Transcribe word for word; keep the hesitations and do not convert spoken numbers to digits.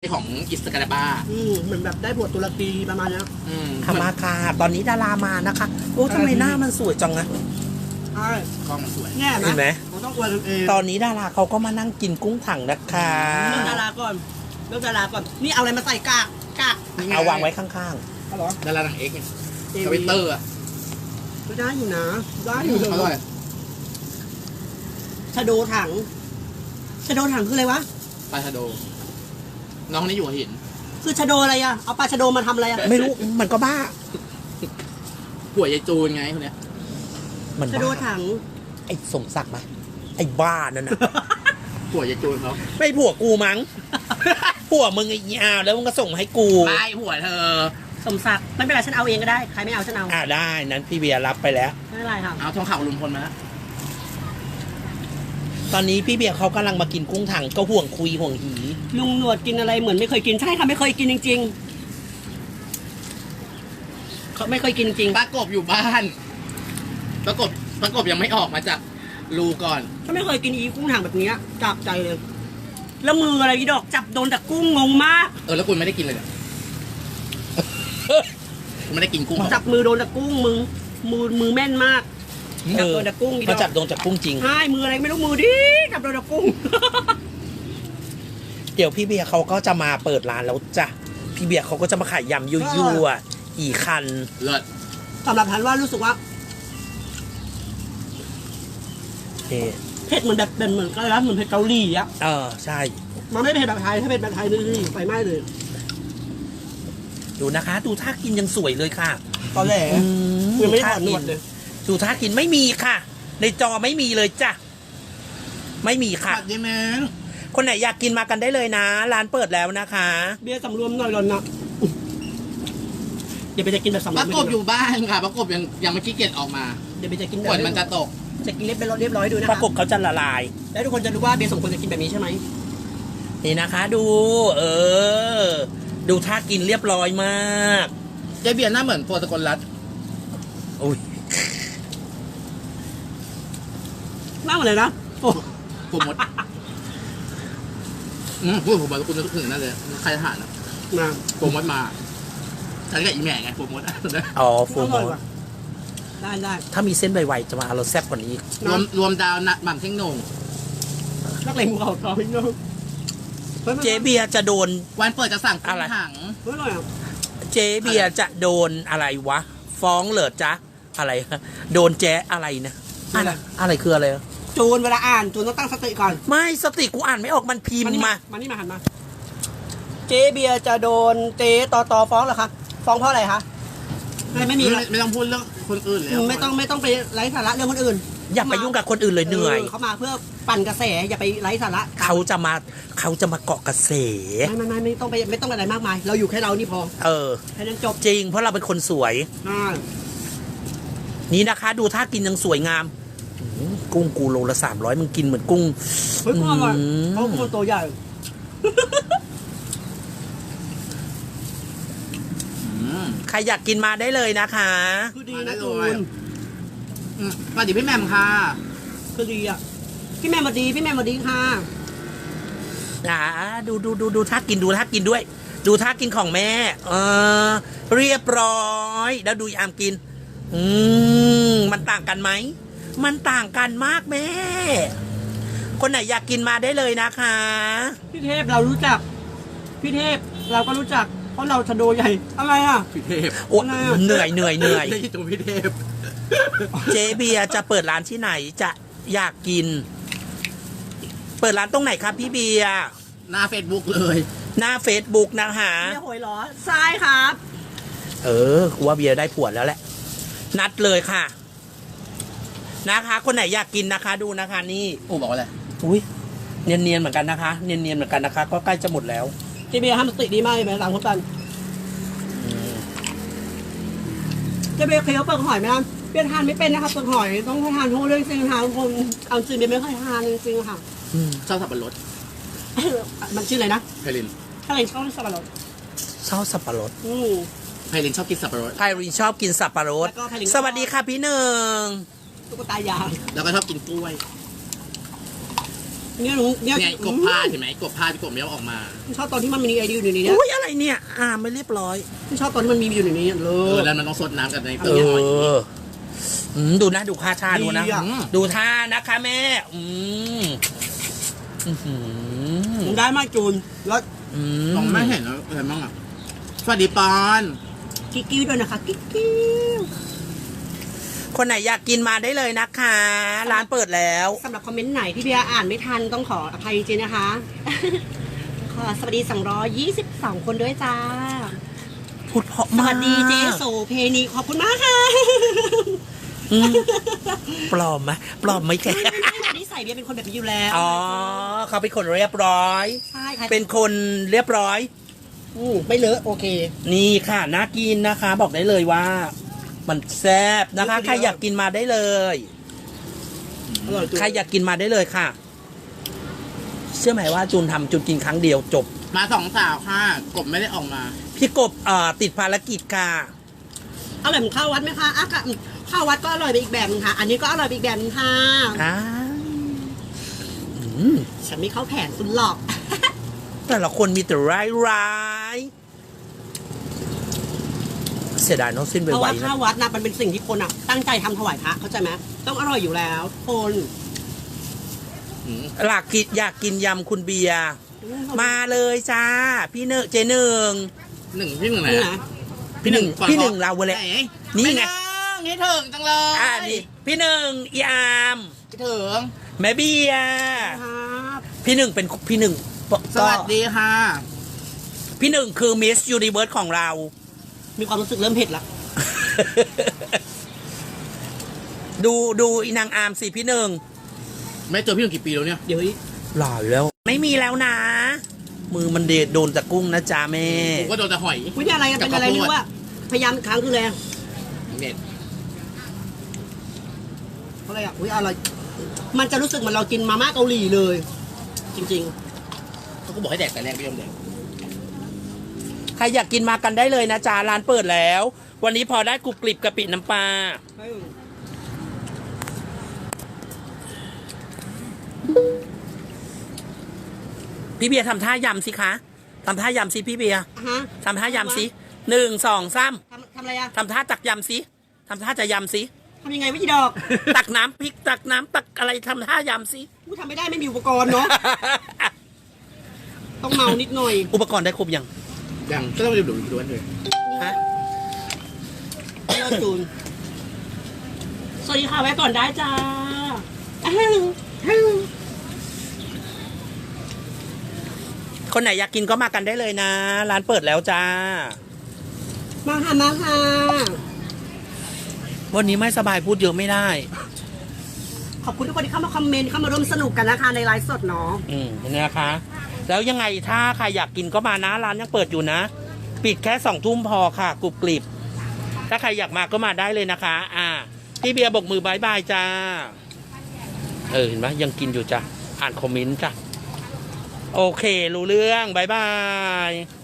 ของอิสกาดาบ้าอืมเหมือนแบบได้บทตุรกีประมาณนี้ทำมาค่ะตอนนี้ดารามานะคะโอ้ทำไมหน้ามันสวยจังนะใช่กล้องมันสวยแน่เห็นไหมเราต้องอวยตัวเองตอนนี้ดาราเขาก็มานั่งกินกุ้งถังนะคะเรื่องดาราก่อนเรื่องดาราก่อนนี่เอาอะไรมาใส่กากกากเอาวางไว้ข้างๆเหรอดารานางเอกเนี่ยทวิตเตอร์อ่ะก็ได้อยู่นะได้อยู่เลยชะโดถังชะโดถังคืออะไรวะปลาชะโดน้องนี่อยู่หัวหินคือชะโดอะไรอ่ะเอาปลาชะโดมาทำอะไรอ่ะไม่รู้มันก็บ้าผัวยายจูนไงคนเนี้ยมันชะโดถังไอ้สมศักดิ์ไหมไอ้บ้านั่นน่ะผัวยายจูนเขาไม่ผัวกูมั้งผัวมึงไอ้ยาวแล้วมึงก็ส่งให้กูไม่ผัวเธอสมศักดิ์ไม่เป็นไรฉันเอาเองก็ได้ใครไม่เอาฉันเอาอ่าได้นั้นพี่เบียร์รับไปแล้วไม่เป็นไรครับเอาทองข่าวลุงพลมาแล้วตอนนี้พี่เบียร์เขากำลังมากินกุ้งถังก็ห่วงคุยห่วงหีลุงหนวดกินอะไรเหมือนไม่เคยกินใช่ค่ะไม่เคยกินจริงๆเขาไม่เคยกินจริงปลากบอยู่บ้านปลากบปลากบยังไม่ออกมาจากรูก่อนเขาไม่เคยกินอีกุ้งถังแบบนี้จับใจเลยแล้วมืออะไรพี่ดอกจับโดนแต่กุ้งงงมากเออแล้วคุณไม่ได้กินเลยเหรอคุณไม่ได้กินกุ้งจับมือโดนแต่กุ้งมือมือมือแม่นมากจับโดนแต่กุ้งเขาจับโดนแต่กุ้งจริงใช่มืออะไรไม่รู้มือดิจับโดนแต่กุ้งเดี๋ยวพี่เบียร์เขาก็จะมาเปิดร้านแล้วจ้ะพี่เบียร์เขาก็จะมาขายยำยั่วๆอีคันเลิศสำหรับทันว่ารู้สึกว่าเผ็ดเหมือนแบบเป็นเหมือนกันแล้วเหมือนเผ็ดเกาหลีอ่ะเออใช่มันไม่เผ็ดแบบไทยถ้าเผ็ดแบบไทยนี่ไปไม่เลยดูนะคะดูท่ากินยังสวยเลยค่ะตอนแรกยังไม่ได้ถอดหนวดเลยดูท่ากินไม่มีค่ะในจอไม่มีเลยจ้ะไม่มีค่ะดีแมงคนไหนอยากกินมากันได้เลยนะร้านเปิดแล้วนะคะเบียร์สำรวมหน่อยหล่อนนะเดี๋ยวไปจะกินแบบสำรวมปลากบอยู่บ้านค่ะปลากบยังยังไม่ขี้เกียจออกมาเดี๋ยวไปจะกินฝนมันจะตกจะกินเรียบเรียบร้อยดูนะปลากบเขาจะละลายแล้วทุกคนจะรู้ว่าเบียร์สมควรจะกินแบบนี้ใช่ไหมนี่นะคะดูเออดูท่ากินเรียบร้อยมากเจ๊เบียร์หน้าเหมือนโฟสกลรัตน์อุ้ยหน้าเหมือนอะไรนะโอ้ผมมดอืมพูดผมบอกคุณนึกถึงนั่นเลยใครทหารนะมาผมมดมาฉันกับอีแม่ไงผมมดอ๋อผมมดได้ได้ถ้ามีเส้นใบๆจะมาเราแซ่บกว่านี้รวมรวมดาวนัดหม่ำเท่งโหน่งนักเลงภูเขาทองพี่น้องเจ๊เบียร์จะโดนวันเปิดจะสั่งกุ้งถังเจ๊เบียร์จะโดนอะไรวะฟ้องเหรอจ๊ะอะไรโดนแจ๊อะไรนะอะไรอะไรคืออะไรจูนเวลาอ่านจูนต้องตั้งสติก่อนไม่สติกูอ่านไม่ออกมันพิมพ์มามานี่มาหันมาเจ๊เบียร์จะโดนเจ๊ต่อต่อฟ้องเหรอคะฟ้องเพราะอะไรคะไม่มีไม่ต้องพูดเรื่องคนอื่นเลยไม่ต้องไม่ต้องไปไร้สาระเรื่องคนอื่นอย่าไปยุ่งกับคนอื่นเลยเหนื่อยเขามาเพื่อปั่นกระแสอย่าไปไร้สาระเขาจะมาเขาจะมาเกาะกระแสไม่ไม่ไม่ไม่ต้องไปไม่ต้องอะไรมากมายเราอยู่แค่เรานี่พอเออแค่นั้นจบจริงเพราะเราเป็นคนสวยนี่นะคะดูท่ากินยังสวยงามกุ้งกูโลละสามร้อยมึงกินเหมือนกุ้งเฮ้ยกุ้งอร่อยเขากุ้งตัวใหญ่ใครอยากกินมาได้เลยนะคะคือดีนะจูนสวัสดีพี่แมมค่ะคือดีอ่ะพี่แมมสวัสดีพี่แมมสวัสดีค่ะอ่าดูดูดูดูท่ากินดูท่ากินด้วยดูท่ากินของแม่เออเรียบร้อยแล้วดูยามกินอืมมันต่างกันไหมมันต่างกันมากแม่คนไหนอยากกินมาได้เลยนะคะพี่เทพเรารู้จักพี่เทพเราก็รู้จักเพราะเราชะโดใหญ่อะไรอ่ะพี่เทพโอ้เหนื่อยเหนื่อยเหนื่อยตรงพี่เทพเจ๊เบียร์จะเปิดร้านที่ไหนจะอยากกินเปิดร้านตรงไหนครับพี่เบียร์หน้าเฟซบุ๊กเลยหน้าเฟซบุ๊กนะคะเบียร์หอยหรอใช่ครับเออกูว่าเบียร์ได้ผัวแล้วแหละนัดเลยค่ะนะคะคนไหนอยากกินนะคะดูนะคะนี่โอ้บอกว่าอะไรอุ้ยเนียนเนียนเหมือนกันนะคะเนียนเนียนเหมือนกันนะคะก็ใกล้จะหมดแล้วเจ๊เบียร์ทำสติดีมากเลยไหมหลังคนตันเจ๊เบียร์เคยเอาเปลือกหอยไหมล่ะเบียร์ทานไม่เป็นนะคะเปลือกหอยต้องทานทุกเรื่องจริงค่ะทุกคนเอาจริงเบียร์ไม่เคยทานจริงๆค่ะชอบสับปะรดมันชื่ออะไรนะไพลินไพลินชอบสับปะรดชอบสับปะรดไพลินชอบกินสับปะรดไพลินชอบกินสับปะรดสวัสดีค่ะพี่หนึ่งตุ๊กตายาวแล้วก็ชอบกินกล้วยเนี่ยหนูเนี่ยเนี่ยกบผ้าเห็นไหมกบผ้าที่กบไม่เอาออกมาชอบตอนที่มันมีไอเดียอยู่ในนี้เนี่ยอุ้ยอะไรเนี่ย อ่าไม่เรียบร้อยชอบตอนที่มันมีอยู่ในนี้เลเออย แล้วมันต้องสดน้ำกันในเอตัวหอยออืมดูนะดูค่าชาดูนะดีอะอืมดูท่านะคะแม่ อืมอื้อหือได้มากจูนแล้วอืมมองไม่เห็นอะไรบ้างอ่ะสวัสดีปอนกิ๊กกิ้วด้วยนะคะกิ๊กกิ้วคนไหนอยากกินมาได้เลยนะคะ ร้านเปิดแล้วสำหรับคอมเมนต์ไหนที่เบียร์อ่านไม่ทันต้องขออภัยจริงๆนะคะ ขอสวัสดีสองร้อยยี่สิบสองคนด้วยจ้าพูดเพราะสมากวัสดีเจโสเพนีขอบคุณมากค่ะอืมปลอมไหมปลอมไหมแกไม่ไม่ไม่นิสัยเบียร์เป็นคนแบบนี้อยู่แล้วอ๋อเขาเป็นคนเรียบร้อยใช่ค่ะเป็นคนเรียบร้อยอืมไม่เลอะโอเคนี่ค่ะน่ากินนะคะ บอกได้เลยว่า มันแซ่บนะคะเยอะๆใครอยากกินมาได้เลยอร่อยจูนใครอยากกินมาได้เลยค่ะ เชื่อไหมว่าจูนทำจูนกินครั้งเดียวจบมาสองสาวค่ะกบไม่ได้ออกมาพี่กบเอ่อติดภารกิจค่ะอร่อยเหมือนข้าววัดไหมคะอ่ะค่ะข้าววัดก็อร่อยไปอีกแบบนึงค่ะ อันนี้ก็อร่อยไปอีกแบบนึงค่ะอ้าวอืมฉันไม่เข้าแผนคุณหรอกแต่ละคนมีแต่ร้ายร้ายเสียดายเน้องสิ้นเพไปราะไวว่าๆข้านะววัดนะมันเป็นสิ่งที่คนอ่ะ ตั้งใจทำถวายพระเข้าใจไหมต้องอร่อยอยู่แล้วคนอืมหลักกินอยากกินยำคุณเบียร์มาเลยจ้า พี่เนอเจหนึ่งหนึ่งพี่หนึ่งไหนนี่อะนะพี่หนึ่งก่อพี่หนึ่งเราเลยไหนี่ไงม่ถึงนี่ถึงจังเลยอ่านี่พี่หนึ่งอีอามไม่ถึงแม่เบียร์ครับพี่หนึ่งเป็นพี่หนึ่งก็สวัสดีค่ะพี่หนึ่งคือมิสยูนิเวิร์สของเรามีความรู้สึกเริ่มเผ็ดละดูดูอีนางอามสิพี่หนึ่งไม่เจอพี่หนึ่งกี่ปีแล้วเนี่ยเดี๋ยวอีกหล่อแล้ว ไม่มีแล้วนะ มือมันเดดโดนจากกุ้งนะจ๊ะแม่ผมก็โดนแต่หอยวิธีอะไรกันเป็นอะไรไม่รู้ว่าพยายามอีกครั้งคืออะไรเน็ตอะไรอ่ะอุ้ยอะไรมันจะรู้สึกเหมือนเรากินมาม่าเกาหลีเลย จริงเขาก็บอกให้แดกแต่แรกไม่ยอมแดกใครอยากกินมากันได้เลยนะจ๊ะร้านเปิดแล้ว วันนี้พอได้กรุบกริบกะปิน้ำปลาๆพี่เบียร์ทำท่ายำสิคะทำท่ายำสิพี่เบียร์อ่ะฮะทำท่ายำสิหนึ่งสองสามทำทำอะไรอ่ะทำท่าตักยำสิทำท่าจะยำสิทำยังไงวิธีดอกตักน้ำพริกตักน้ำตักอะไรทำท่ายำสิกูทำไม่ได้ไม่มีอุปกรณ์เนาะ ต้องเมานิดหน่อยอุปกรณ์ได้ครบยังยังก็ต้องไปดูดูด้วยฮะเลิศจูนสวัสดีค่ะไว้ก่อนได้จ้าอ้าวอ้าวคนไหนอยากกินก็มากันได้เลยนะ ร้านเปิดแล้วจ้ามาค่ะมาค่ะวันนี้ไม่สบายพูดเยอะไม่ได้ขอบคุณทุกคนที่เข้ามาคอมเมนต์เข้ามาร่วมสนุกกันนะคะในไลฟ์สดเนาะอืมนี่นะคะ แล้วยังไงถ้าใครอยากกินก็มานะร้านยังเปิดอยู่นะ ปิดแค่สองทุ่มพอค่ะกรุบกริบถ้าใครอยากมาก็มาได้เลยนะคะ อ่าพี่เบียร์บอกมือบายบายจ้า เออเห็นไหมยังกินอยู่จ้ะอ่านคอมเมนต์จ้ะโอเครู้เรื่องบายบาย